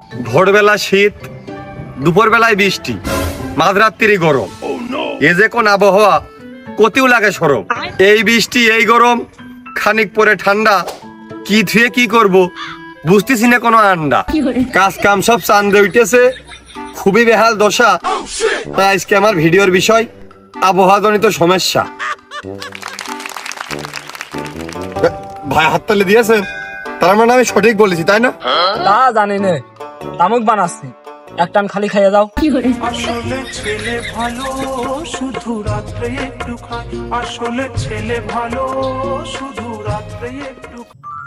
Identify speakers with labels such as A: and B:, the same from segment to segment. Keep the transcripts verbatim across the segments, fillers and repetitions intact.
A: ভোরবেলা শীত, দুপুরবেলায় বৃষ্টি, মাঝরাত্রি গরম। এ যে কোন আবহাওয়া, কতিও লাগে সরম। এই বৃষ্টি এই গরম, খানিক পরে ঠান্ডা, কি থুয়ে কি করব বুঝতেছি না কোনো আন্ডা। কাজ কাম সব চান্দে উঠেছে, খুবই বেহাল দশা। তাই আজকে আমার ভিডিওর বিষয় আবহাওয়া জনিত সমস্যা। ভাই হাততালি দিয়েছেন, তার মানে আমি সঠিক বলেছি তাই না?
B: তা জানি নে, তামুক বানাচ্ছি, এক টান খালি খাইয়ে যাও।
C: আসলে ছেলে ভালো শুধু রাত্রে একটু খায়, আসলে ছেলে ভালো শুধু রাত্রে একটু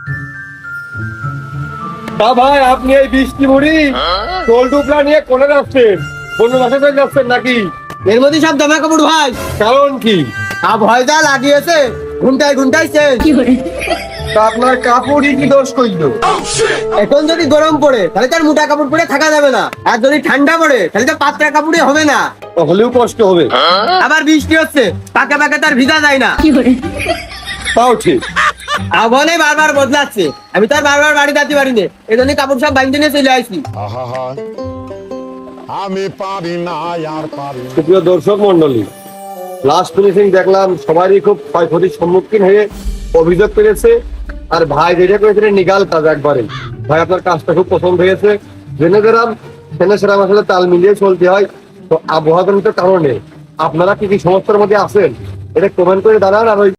A: তা ভাই আপনি এই বৃষ্টি মুড়ি টোল টুকরা নিয়ে কোনে যাচ্ছেন? কোন বাসা করে যাচ্ছেন নাকি?
D: এর মধ্যে সব জামা কাপড় ভাই,
A: কারণ কি?
D: আবহাওয়া যা লাগিয়েছে ঘুমটায় ঘুমটাইছে।
A: তা আপনার কাপড়ই কি দোষ করলো?
D: এখন যদি গরম পড়ে তাহলে তার মোটা কাপড় পরে থাকা যাবে না, আর যদি ঠান্ডা পড়ে তাহলে তো পাতলা কাপড়ে হবে না।
A: হলেও কষ্ট হবে।
D: আবার বৃষ্টি হচ্ছে, পাকে পাকে তার ভিজা যায় না।
A: তাও ঠিক।
D: আবহাওয়া বারবার বদলাচ্ছে, আমি তার বারবার বাড়ি যেতে পারি না, এই জন্য কাপড় সব বাইন্ধে নিয়ে চলে আসছি।
E: আহা, আমি পারি না আর পারি না।
A: সুপ্রিয় দর্শক মন্ডলী, লাস্ট ফিনিশিং দেখলাম সবারই খুব ক্ষয়ক্ষতির সম্মুখীন হয়ে অভিযোগ পেয়েছে। আর ভাই যেটা করেছিলেন নিগাল কাজ একবারে। ভাই আপনার কাজটা খুব পছন্দ হয়েছে। জেনে গেলাম সেনা সেরাম আসলে তাল মিলিয়ে চলতে হয়। তো আবহাওয়াজনিত কারণে আপনারা কি কি সমস্যার মধ্যে আছেন এটা কমেন্ট করে জানান। আর ওই